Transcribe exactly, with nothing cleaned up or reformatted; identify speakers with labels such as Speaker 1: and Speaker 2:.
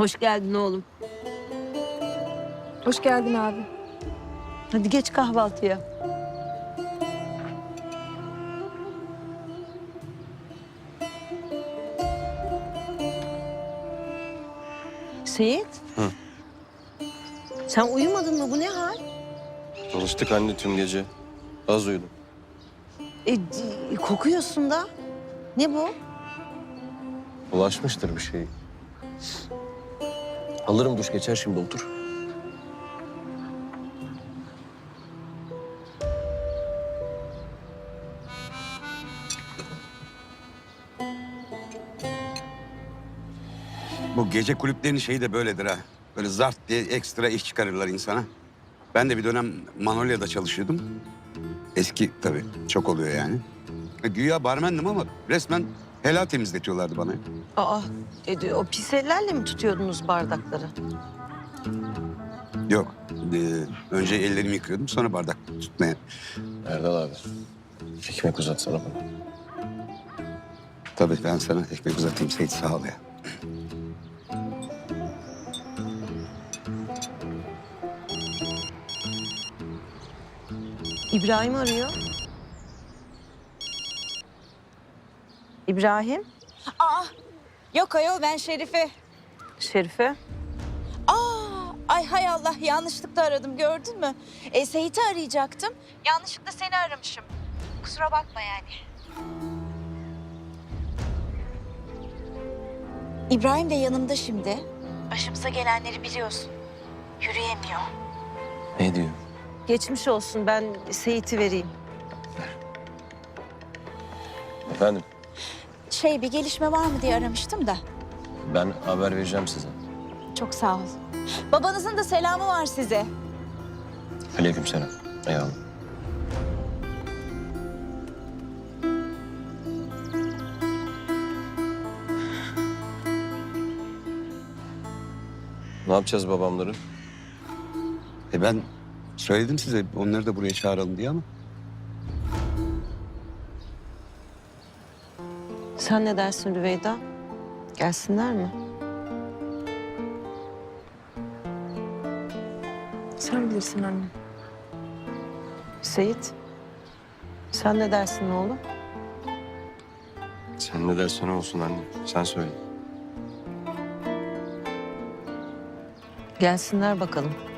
Speaker 1: Hoş geldin oğlum.
Speaker 2: Hoş geldin abi.
Speaker 1: Hadi geç kahvaltıya. Seyit.
Speaker 3: Hı.
Speaker 1: Sen uyumadın mı? Bu ne hal?
Speaker 3: Çalıştık anne tüm gece. Az uyudum.
Speaker 1: E, d- kokuyorsun da. Ne bu?
Speaker 3: Bulaşmıştır bir şey. Alırım duş geçer şimdi otur.
Speaker 4: Bu gece kulüplerinin şeyi de böyledir ha. Böyle zart diye ekstra iş çıkarırlar insana. Ben de bir dönem Manolya'da çalışıyordum. Eski tabii, çok oluyor yani. E, güya barmendim ama resmen helal temizletiyorlardı bana.
Speaker 1: Aa, e, de- o pis ellerle mi tutuyordunuz bardakları?
Speaker 4: Yok, e, önce ellerimi yıkıyordum sonra bardak tutmaya.
Speaker 3: Erdal abi. Ekmek uzatsana bana.
Speaker 4: Tabii ben sana ekmek uzatayım Seyit, sağ ol ya.
Speaker 1: İbrahim arıyor. İbrahim,
Speaker 5: Aa, yok ayol ben Şerife.
Speaker 1: Şerife.
Speaker 5: Aa, ay hay Allah yanlışlıkla aradım gördün mü? E, Seyit'i arayacaktım. Yanlışlıkla seni aramışım. Kusura bakma yani. İbrahim de yanımda şimdi. Başımıza gelenleri biliyorsun. Yürüyemiyor.
Speaker 3: Ne diyor?
Speaker 1: Geçmiş olsun. Ben Seyit'i vereyim.
Speaker 3: Efendim
Speaker 5: Şey bir gelişme var mı diye aramıştım da.
Speaker 3: ben haber vereceğim size.
Speaker 5: Çok sağ ol. Babanızın da selamı var size.
Speaker 3: Aleykümselam. Eyvallah. Ne yapacağız babamları?
Speaker 4: E ben söyledim size onları da buraya çağıralım diye ama.
Speaker 1: Sen ne dersin Rüveyda? Gelsinler mi?
Speaker 2: Sen bilirsin anne.
Speaker 1: Seyit, sen ne dersin oğlum?
Speaker 3: Sen ne dersen olsun anne. Sen söyle.
Speaker 1: Gelsinler bakalım.